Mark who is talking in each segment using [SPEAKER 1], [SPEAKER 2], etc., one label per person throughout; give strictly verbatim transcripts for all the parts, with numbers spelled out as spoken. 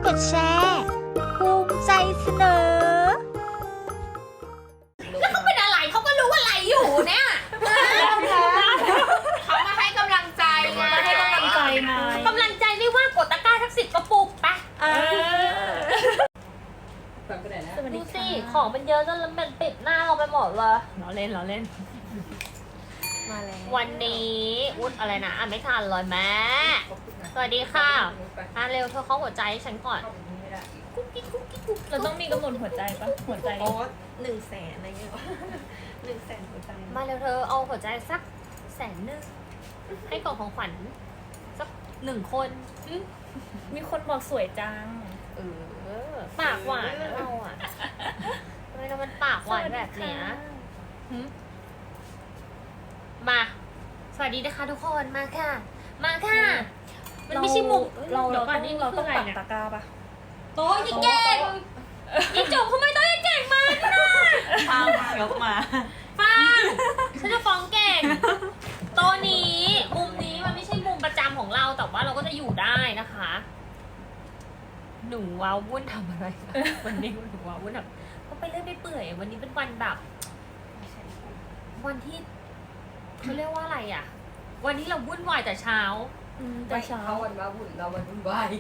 [SPEAKER 1] ดแชร์ภูมิใจเสนอ
[SPEAKER 2] แล้วเขาเป็นอะไรเขาก็รู้ว่าอะไรอยู่เนี่ยเขามาให้กำลังใจไงให้กำลังใจไงกำลังใจไม่ว่ากดตะกร้าทักสิบกระปุกปะดูสิของมันเยอะจนมันปิดหน้าเราไปหมดเลยเราเล่นเราเล่นมาแล้ววันนี้อุ๊ดอะไรนะอ่ะไม่ทันเลยแม่สวัสดีค่ะอ่ะเร็วเธอเข้าหัวใจให้ฉันก่อนกุ๊กกิ๊กกุ๊กกิ๊กกุ๊ก
[SPEAKER 3] เราต้องมีกำหนดหัวใจปะหัวใจ
[SPEAKER 4] โอ้หนึ่งแสนอะไรเงี้ยหนึ่งแสนหัวใจ
[SPEAKER 2] มาเร็วเธอเอาหัวใจสักแสนหนึ่งให้กล่องของขวัญสักหนึ่งคน
[SPEAKER 3] มีคนบอกสวยจัง
[SPEAKER 2] เออปากหวานนะเราอ่ะทำไมเรามันปากหวานแบบเนี้ยมาสวัสดีนะคะทุกคนมาค่ะมาค่ะมันไม่ใช่มุก
[SPEAKER 3] เราเราต้องเราต้องปักตะกร้าปะ
[SPEAKER 2] โต๊ะยิ่งเก่งยิ่งจบทำไมโต๊ะยิ่งเก่งมากนะ
[SPEAKER 4] ฟังยกมา
[SPEAKER 2] ฟังฉันจะฟ้องเก่งโต๊ะนี้มุมนี้มันไม่ใช่มุมประจำของเราแต่ว่าเราก็จะอยู่ได้นะคะหนูว้าวุ่นทำอะไรวันนี้หนูว้าวุ่นแบบก็ไปเรื่อยไปเปื่อยวันนี้เป็นวันแบบวันที่เขาเรียกว่าอะไรอ่ะวันนี้เราวุ่นวายแต่เช้า
[SPEAKER 4] แต่เช้าวันว้าวุ่นเราวันวุ่นวาย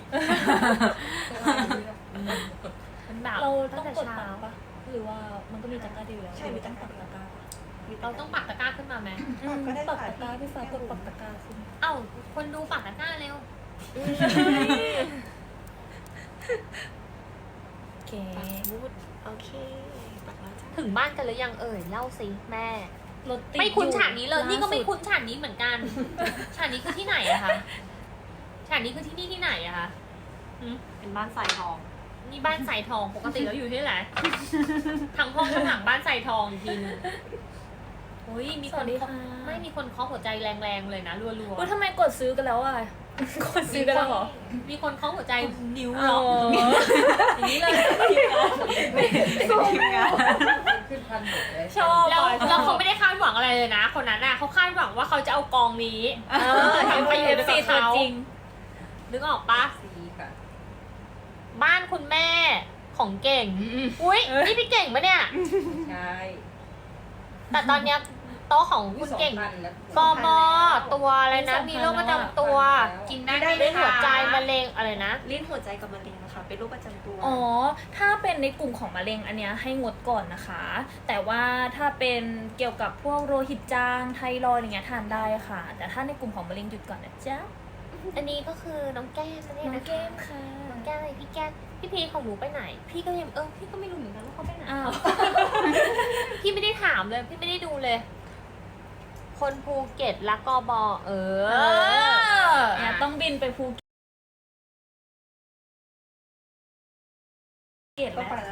[SPEAKER 2] มันแบบ
[SPEAKER 3] เราต้องกดปักปะหรือว่ามันก็มีตะกร้าดีแล้วใช่มีต้องปักตะกร้า
[SPEAKER 2] เราต้องปักตะกร้าขึ้นมาไหม
[SPEAKER 3] ก็ได้ปักตะกร้าพี่ฟ้ากดปักตะกร้าขึ้น
[SPEAKER 2] เอ้าคนดูปักตะกร้าเร็ว
[SPEAKER 3] โอเค
[SPEAKER 4] โอเคปักแล้วจ้ะ
[SPEAKER 2] ถึงบ้านกันหรือยังเอ่ยเล่าสิแม่
[SPEAKER 3] รถติด
[SPEAKER 2] ไม่คุ้นฉากนี้เลยนี่ก็ไม่คุ้นฉากนี้เหมือนกันฉากนี้คือที่ไหนอะคะฉากนี้คือที่นี่ที่ไหนอะคะ
[SPEAKER 4] เป็นบ้านสายทอง
[SPEAKER 2] นี่บ้านสายทองปกติแล้วอยู่ที่ไหนทางห้องข้างหลังบ้านสายทองอีกทีนึงโอ้ยมีคนไม่มีคนเคาะหัวใจแรงๆเลยนะรัวๆ
[SPEAKER 3] ว่าทำไมกดซื้อกันแล้วอ่ะกดซื้อกันแล้วเหรอ
[SPEAKER 2] มีคนเคาะหัวใจนิ้วล็อกอย่างนี้เลย
[SPEAKER 4] ทีมงาน
[SPEAKER 2] ขึ้นพันหมดเลยชอบแล้วแล้วเขาไม่ได้คาดหวังอะไรเลยนะคนนั้นน่ะเขาคาดหวังว่าเขาจะเอากองนี้ทำไปอยู่ในเขาจริงนึกออกปะบ้านคุณแม่ของเก่งอุ้ยนี่พี่เก่งปะเนี่ย
[SPEAKER 4] ใช่
[SPEAKER 2] แต่ตอนเนี้ยโต๊ะของคุณเก่งกมตัวอะไรนะมีโรคประจำตัวกินได้ไม่หัวใจมะเร็งอะไรนะ
[SPEAKER 4] ลิ้นหัวใจกับมะเร็งนะคะเป็นโรคประจำตัว
[SPEAKER 3] อ๋อถ้าเป็นในกลุ่มของมะเร็งอันเนี้ยให้งดก่อนนะคะแต่ว่าถ้าเป็นเกี่ยวกับพวกโรหิตจางไทรอยด์อย่างเงี้ยทานได้ค่ะแต่ถ้าในกลุ่มของมะเร็งหยุดก่อนนะจ๊ะ
[SPEAKER 2] อันนี้ก็คือน้องแก้มนั่นเอง
[SPEAKER 3] นะ
[SPEAKER 2] น้องแก้มค่ะน้องแก้มอะไรพี่แก้มพี่พีของหนูไปไหนพี่ก็ยังเออพี่ก็ไม่รู้เหมือนกันว่าเขาไปไหนอ้าวพี่ไม่ได้ถามเลยพี่ไม่ได้ดูเลยคนภูเก็ตและกบเออ
[SPEAKER 3] เนี่ยต้องบินไปภูเก็ตแล้ว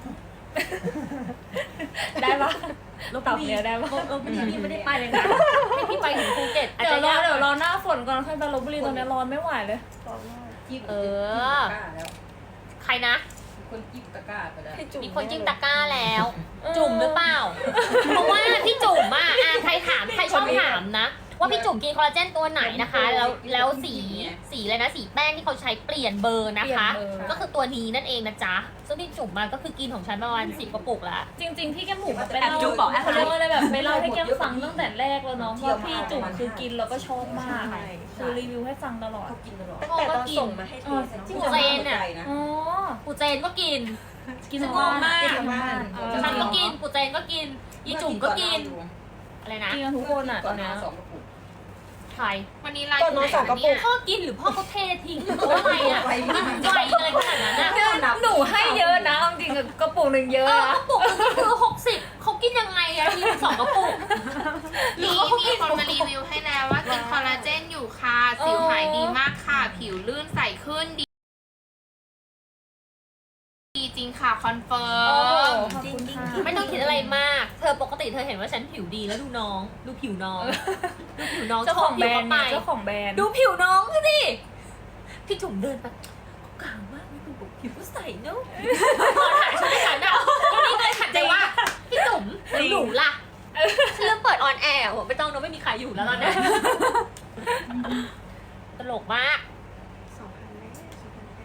[SPEAKER 3] ได้ปะตอบเนี่ยได้ปะ
[SPEAKER 2] ลบบุรีพี่ไม่ได้ไปเลยนะให้พี่ไปถึงภูเก็ต
[SPEAKER 3] เดี๋ยวรอเดี๋ยวรอหน้าฝนก่อนค่อยไปลบบุรีตอนนี้ร้อนไม่ไหวเลย
[SPEAKER 2] เออใครนะ
[SPEAKER 4] คนจิ้มตะกร้าไปแล้ว
[SPEAKER 2] มีคนจิ้มตะกร้าแล้วจุ่มหรือเปล่าเพราะว่าพี่จุ่มอ่ะใครถามใครชอบถามนะว่าพี่จุ่มกินคอลลาเจนตัวไหนนะคะแล้วแล้วสีสีเลยนะสีแป้งที่เขาใช้เปลี่ยนเบอร์นะคะก็คือตัวนี้นั่นเองนะจ๊ะซึ่งพี่จุ่มมาก็คือกินของฉันประมาณสิบกระปุกละ
[SPEAKER 3] จริงๆพี่แก้มหมูไปเล่าเขาเรียกว่าอะไรแบบไปเล่าให้แก้มฟังตั้งแต่แรกแล้วเนาะว่าพี่จุ่มคือกินแล้วก็ชอบมากคือรีวิวให้ฟังตลอด
[SPEAKER 4] กินตลอด
[SPEAKER 2] แต่ตอนส่งมาให้
[SPEAKER 4] ที
[SPEAKER 2] ปูเจนอ่ะ
[SPEAKER 3] อ๋อ
[SPEAKER 2] ปูเจนก็กิน
[SPEAKER 3] กินมากมาก
[SPEAKER 2] ฉันก็กินปูเจนก็กินยีจุ่มก็กินอะไรนะ
[SPEAKER 3] กินทุกคนอ่ะตอนนี้
[SPEAKER 2] ใครวันนี้ไลน์ไหนเนี่ยพ่อกินหรือพ่อเขาเททิ้งหรือว่าอะไรอ่ะกินไวเลยขนาดนั้น
[SPEAKER 3] นะหนูให้เยอะนะจริงๆกระปุกหนึ่งเยอะ
[SPEAKER 2] กระปุกนึงคือหกสิบเขากินยังไงอะมีสองกระปุก
[SPEAKER 5] มีมีคนมารีวิวให้แล้วว่ากินคอลลาเจนอยู่ค่ะสิวหายดีมากค่ะผิวลื่นใสขึ้นดีจริงค่ะคอนเฟิร์ม
[SPEAKER 2] จริงไม่ต้องคิดอะไรมากเธอปกติเธอเห็นว่าฉันผิวดีแล้วดูน้องดูผิวน้องดูผิวน้อง
[SPEAKER 3] เจ้าของแบรนด์เจ้าของแบรนด์
[SPEAKER 2] ดูผิวน้องสิพี่จุ๋มเดินไปกลางมากดูผิวใสเนอะพอถ่ายฉันไม่ถ่ายนะวันนี้เลยขัดใจว่าพี่จุ๋มหนูล่ะฉันเริ่มเปิดออนแอร์ไม่ต้องนะไม่มีใครอยู่แล้วตอนนี้ตลกมาก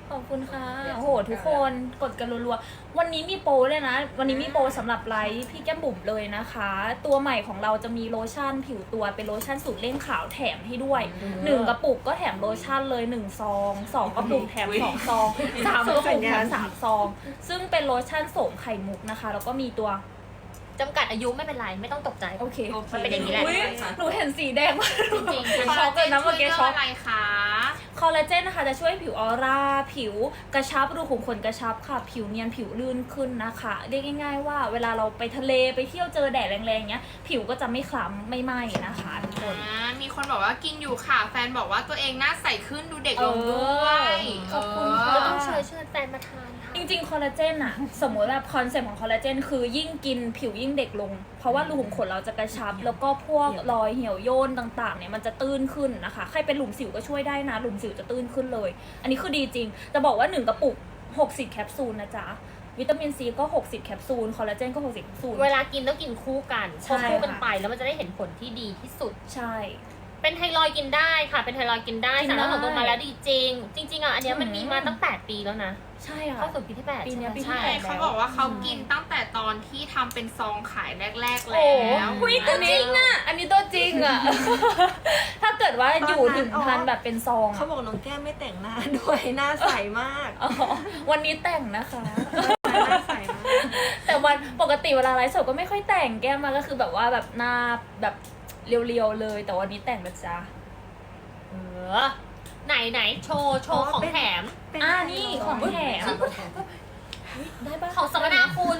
[SPEAKER 3] ขอบคุณค่ะโอ้โหทุกคนกดกันรัวๆวันนี้มีโปรเลยนะวันนี้มีโปรสำหรับไลฟ์พี่แก้มบุ๋มเลยนะคะ ตัวใหม่ของเราจะมีโลชั่นผิวตัวเป็นโลชั่นสูตรเร่งขาวแถมให้ด้วยหนึ่งกระปุกก็แถมโลชั่นเลยหนึ่งซองสองกระปุกแถมสองซองสามกระปุกแถมสามซองซึ่งเป็นโลชั่นโสมไข่มุกนะคะแล้วก็มีตัว
[SPEAKER 2] จำกัดอายุไม่เป็นไรไม่ต้องตกใจ
[SPEAKER 3] โอเค
[SPEAKER 2] มันเป็นอย่างนี้แหละ
[SPEAKER 3] อุ๊ยหนูเห็นสีแดงมาก
[SPEAKER 2] จริงๆ
[SPEAKER 5] คอล
[SPEAKER 3] ช็อ
[SPEAKER 5] ลาก เจ
[SPEAKER 3] เลย
[SPEAKER 5] น
[SPEAKER 3] นะ
[SPEAKER 5] ช่
[SPEAKER 3] เมื่
[SPEAKER 5] ว
[SPEAKER 3] อย กี้
[SPEAKER 5] เรื่อง
[SPEAKER 3] ช็อก
[SPEAKER 5] อะไรคะ
[SPEAKER 3] คอลลาเจนนะคะจะช่วยผิวออร่าผิวกระชับรูขุมขนกระชับค่ะผิวเนียนผิวลื่นขึ้นนะคะเรียกง่ายๆว่าเวลาเราไปทะเลไปเที่ยวเจอแดดแรงๆเงี้ยผิวก็จะไม่คล้ำไม่ไหม้นะคะทุกคน
[SPEAKER 5] อ่ามีคนบอกว่ากินอยู่ค่ะ แฟนบอกว่าตัวเองหน้าใสขึ้นดูเด็กลงด้วย
[SPEAKER 3] ขอบคุณ
[SPEAKER 5] เ
[SPEAKER 3] ค่ะ
[SPEAKER 2] เราต้องเชิญเชิญแฟนมาทานค่ะ
[SPEAKER 3] จริงๆคอลลาเจนอะสมมติแบบคอนเซ็ปต์ของคอลลาเจนคือยิ่งกินผิวยิ่งเด็กลง เพราะว่ารูขุมขนเราจะกระชับ แล้วก็พวกรอยเหี่ยวย่นต่างๆเนี่ยมันจะตื้นขึ้นนะคะใครเป็นหลุมสิวก็ช่วยได้นะหลุมสิวจะตื้นขึ้นเลย อันนี้คือดีจริงจะบอกว่าหนึ่งกระปุกหกสิบแคปซูลนะจ๊ะวิตามินซีก็หกสิบแคปซูลคอลลาเจนก็หกสิบแคปซูล
[SPEAKER 2] เวลากินต้องกินคู่กัน
[SPEAKER 3] ใช่
[SPEAKER 2] พอคู่กัน
[SPEAKER 3] ค่ะ
[SPEAKER 2] ไปแล้วมันจะได้เห็นผลที่ดีที่สุด
[SPEAKER 3] ใช่
[SPEAKER 2] เป็นไทรอยด์กินได้ค่ะ เป็นไทรอยด์กินได้
[SPEAKER 3] กิน
[SPEAKER 2] สาร
[SPEAKER 3] ได้
[SPEAKER 2] สนตัวมาแล้วดีจริง จริง ๆอ่ะอันเนี้ยมัน
[SPEAKER 3] อืม
[SPEAKER 2] มีมาตั้งแปดปีแล้วนะ
[SPEAKER 3] ใช่ค่ะ
[SPEAKER 2] เข้าสู่ปีที่แปด
[SPEAKER 3] ปีเนี้ยปีที่
[SPEAKER 2] ใช่
[SPEAKER 3] แป
[SPEAKER 2] ไหม
[SPEAKER 3] ด
[SPEAKER 2] ใช่
[SPEAKER 5] เขาบอกว่าเขากินตั้งแต่ตอนที่ทำเป็นซองขายแรก ๆ
[SPEAKER 3] โอ้
[SPEAKER 5] แล้ว
[SPEAKER 3] คุยตัวจริงอ่ะอันนี้ตัวจริงอ่ะ ถ้าเกิดว่าอยู่ถึงทันแบบเป็นซอง
[SPEAKER 4] เขา
[SPEAKER 3] อะ
[SPEAKER 4] บอกน้องแก้มไม่แต่งหน้าด้วยหน้าใสมาก
[SPEAKER 3] อ๋อวันนี้แต่งนะคะ
[SPEAKER 4] หน้าใสมาก
[SPEAKER 3] แต่วันปกติเวลาไลฟ์สดก็ไม่ค่อยแต่งแก้มมาก็คือแบบว่าแบบหน้าแบบเรียวๆเลย แต่วันนี้แต่งนะจ๊ะ
[SPEAKER 2] เออไหนไหนโชว์โชว์
[SPEAKER 4] อ๋อ
[SPEAKER 2] ของ
[SPEAKER 4] เป็น
[SPEAKER 2] แถม
[SPEAKER 3] อ่านี่ของแถมได้ปะ
[SPEAKER 2] ของสมนาคุณ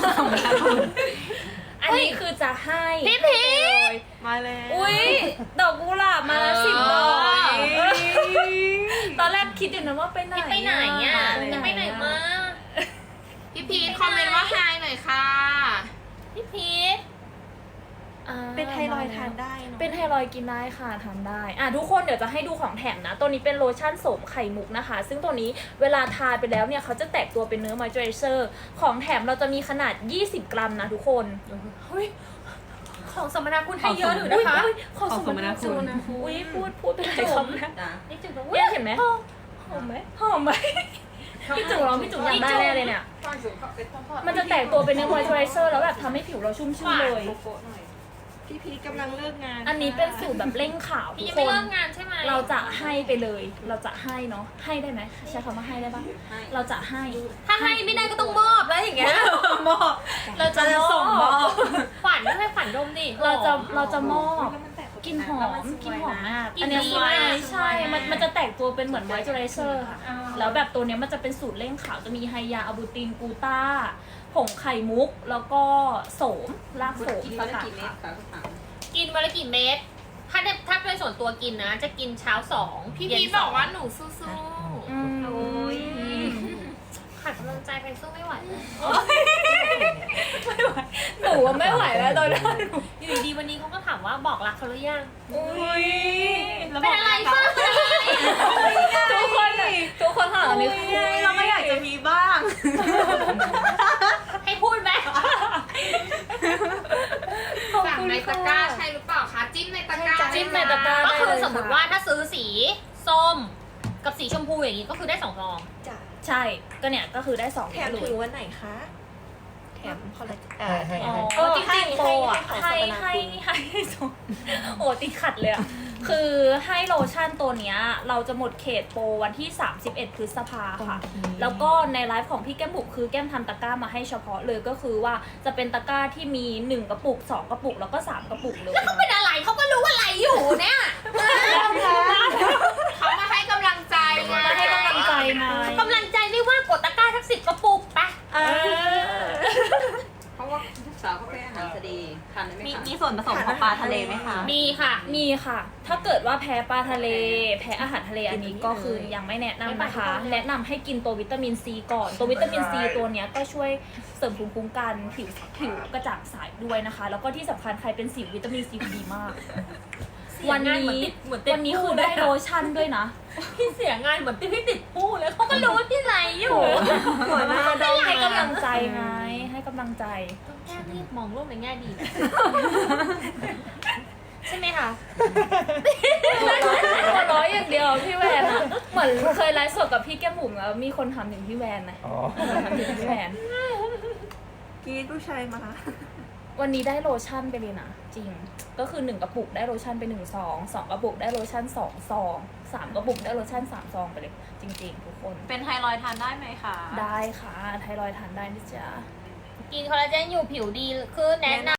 [SPEAKER 3] อันนี้คือจะให้
[SPEAKER 2] พี่พีช
[SPEAKER 4] มาแล้ว
[SPEAKER 3] อุ้ยดอกกุหลาบมาแล้วสิบดอก
[SPEAKER 2] เออ
[SPEAKER 3] ตอนแรกคิดอยู่นะว่าไปไหน
[SPEAKER 2] พี่ไปไหนอ่ะจะไปไหนมา
[SPEAKER 5] พี่พีทคอมเมนต์ว่าไฮหน่อยค่ะ
[SPEAKER 2] พี่พีช
[SPEAKER 3] อ่า
[SPEAKER 4] เป็นไทรอยด์ทานได้เนอะ
[SPEAKER 3] เป็นไทรอยด์กินได้ค่ะทานได้อ่ะทุกคนเดี๋ยวจะให้ดูของแถมนะ ตัวนี้เป็นโลชั่นโสมไข่มุกนะคะ ซึ่งตัวนี้เวลาทาไปแล้วเนี่ยเขาจะแตกตัวเป็นเนื้อมอยเจอไรเซอร์ของแถมเราจะมีขนาดยี่สิบกรัมนะทุกคน
[SPEAKER 2] เฮ้ยของสมนาคุณให้เยอะอยู่นะคะ
[SPEAKER 3] อุ๊ยขอสมนาคุณอุ้ยพูดพูดไปเลยคำนะ
[SPEAKER 2] นี่จุด
[SPEAKER 3] เนี่ยเห็นไหมหอมไหมหอมไหมพี่จุ๋มร้องพี่จุ๋มอยากได้แน่เลยเนี่ยมันจะแตกตัวเป็นเนื้อมอยเจอไรเซอร์แล้วแบบทำให้ผิวเราชุ่มชื่นเลย
[SPEAKER 4] พี่พีชกำลังเลิกงาน
[SPEAKER 3] อันนี้เป็นสูตรแบบเร่งขาวทุ
[SPEAKER 2] พี่
[SPEAKER 3] ก
[SPEAKER 2] ยัง
[SPEAKER 3] ค
[SPEAKER 2] ไม่
[SPEAKER 3] น
[SPEAKER 2] เริ่มงานใช่ไหม
[SPEAKER 3] เราจะให้ไปเลย เราจะให้เนาะ ให้ได้ไหมใช้คำว่าให้ได้ปะเราจะให้
[SPEAKER 2] ถ้าให้ไม่ได้ก็ต้องมอบแล้วอย่างเงี้ย
[SPEAKER 4] มอบ
[SPEAKER 3] เราจะ
[SPEAKER 4] จะส่งมอบ
[SPEAKER 2] ฝันไม่ให้ฝันดมดิ
[SPEAKER 3] เราจะ เราจะมอบ
[SPEAKER 4] แล้วมันแตก
[SPEAKER 3] กลินหอมกลินหอมมาก
[SPEAKER 2] กลิ่น
[SPEAKER 3] อันเนี้ย
[SPEAKER 2] ดี
[SPEAKER 3] สวย
[SPEAKER 2] มาก
[SPEAKER 3] ใช่ มันมันจะแตกตัวเป็นเหมือนไวท์เจอไรเซอร์ค่ะ แล้วแบบตัวเนี้ยมันจะเป็นสูตรเร่งขาวจะมีไฮยาอะบูตินกูต้า ผงไข่มุก แล้วก็โสมรากโสมสกัดค่ะ
[SPEAKER 2] กินวันละกี่เม็ดถ้าได้ถ้าเป็นส่วนตัวกินนะ จะกินเช้าสอง
[SPEAKER 5] พี่
[SPEAKER 2] เย็
[SPEAKER 5] พี
[SPEAKER 2] น
[SPEAKER 5] ท
[SPEAKER 2] ส
[SPEAKER 5] บ
[SPEAKER 2] ง
[SPEAKER 5] อกว่าหนูสู้
[SPEAKER 3] อืม
[SPEAKER 4] โอ้ย
[SPEAKER 2] ขาดกำลังใจไปสู้ไม่ไหวเลย
[SPEAKER 3] ไม่ไหวหนูว่าไม่ไหวแล้วตอนนี้
[SPEAKER 2] อยู่ดีๆวันนี้เขาก็ถามว่าบอกรักเขาหรือยัง
[SPEAKER 3] อุ้ย
[SPEAKER 2] เป็นอะไรบ้าง
[SPEAKER 3] ทุกคนอะทุกคนค่ะตอนนี้
[SPEAKER 4] เราก็อยากจะมีบ้าง
[SPEAKER 2] ให้พูดไหม
[SPEAKER 5] ๆสั่งในตะกร้าใช่หรือเปล่าคะจิ้มในตะกร้า
[SPEAKER 3] จิ้มในตะกร้า
[SPEAKER 2] ก็
[SPEAKER 3] ได้
[SPEAKER 2] คือ
[SPEAKER 3] เลย
[SPEAKER 2] สมมติ
[SPEAKER 3] ค่ะ
[SPEAKER 2] ว่าถ้าซื้อสีส้มกับสีชมพูอย่างนี้ก็คือได้สองซอง
[SPEAKER 4] จ้ะ
[SPEAKER 3] ใช่ ก็เนี่ยก็คือได้สอง
[SPEAKER 4] แถม
[SPEAKER 3] เล
[SPEAKER 4] ถึ
[SPEAKER 3] ย
[SPEAKER 4] งวันไหนคะ แถมคอลลาเจนเอ่อแถม
[SPEAKER 3] อ๋อ
[SPEAKER 4] เออ
[SPEAKER 3] จริงๆโปรอ่ะ
[SPEAKER 4] ให้
[SPEAKER 3] ให้
[SPEAKER 4] ให้
[SPEAKER 3] ให้ให้ให้สองโอ้ติดขัดเลยอ่ะ คือให้โลชั่นตัวเนี้ยเราจะหมดเขตโปรวันที่ สามสิบเอ็ด พฤษภาค่ะ แล้วก็ในไลฟ์ของพี่แก้มบุกคือแก้มทำตะกร้ามาให้เฉพาะเลยก็คือว่าจะเป็นตะกร้าที่มีหนึ่งกระปุกสองกระปุกแล้วก็สามกระปุกเลย
[SPEAKER 2] เป็นอะไรเขาก็รู้อะไรอยู่เนี่ย
[SPEAKER 5] เขามาให้กำลังใจไง
[SPEAKER 3] มาให้กำลังใจไง
[SPEAKER 2] กำลังใจไม่ว่ากดตะกร้าทั้งสิบกระปุกไป
[SPEAKER 3] เออ
[SPEAKER 6] เพราะว่าลูกสาวเขาเป็นอาหารทะเลทานได้ไหม
[SPEAKER 7] มี
[SPEAKER 6] คะ
[SPEAKER 7] มีส่วนผสมของปลาทะเลไหมคะ
[SPEAKER 2] มีค่ะ
[SPEAKER 3] มีค่ะ ถ้าเกิดว่าแพ้ปลาทะเล แพ้อาหารทะเลอันนี้ก็คือยังไม่แนะนำนะคะ แนะนำให้กินตัววิตามินซีก่อน ตัววิตามินซีตัวเนี้ยก็ช่วยเสริมภูมิคุ้มกันผิวผิวกระจ่างใสด้วยนะคะ แล้วก็ที่สำคัญใครเป็นสิววิตามินซีดีมาก วันนี้
[SPEAKER 2] เหมือนติด
[SPEAKER 3] วันนี้คือได้โลชั่นด้วยนะ
[SPEAKER 2] พี่เสียงานเหมือนที่พี่ติดผู้เลยเขาก็รู้ว่าพี่ไรอยู่
[SPEAKER 4] หัวหน้าดอม
[SPEAKER 3] ให้กำลังใจไง ให้กำลังใจ
[SPEAKER 2] ต้องแก้รีบมองโลกในแง่ดี ใช่ไหมคะ
[SPEAKER 3] หัวเร้อยอย่างเดียวพี่แวนอะเหมือนเคยไลฟ์สดกับพี่แก้มบุ๋มแล้วมีคนทำถึงพี่แวนนะ
[SPEAKER 8] อ๋อ
[SPEAKER 3] ทำถึงพี่แวน
[SPEAKER 4] กรีดผู้ชายมา
[SPEAKER 3] วันนี้ได้โลชั่นไปเลยนะจริงก็คือหนึ่งกระปุกได้โลชั่นไปหนึ่งซองสองกระปุกได้โลชั่นสองซองสามกระปุกได้โลชั่นสามซองไปเลยจริงๆทุกคน
[SPEAKER 7] เป็นไทรอยด์ทานได้ไหมคะ
[SPEAKER 3] ได้ค่ะไทรอยด์ทานได้นะจ๊ะ
[SPEAKER 2] กินคอลลาเจนอยู่ผิวดีขึ้นแนะน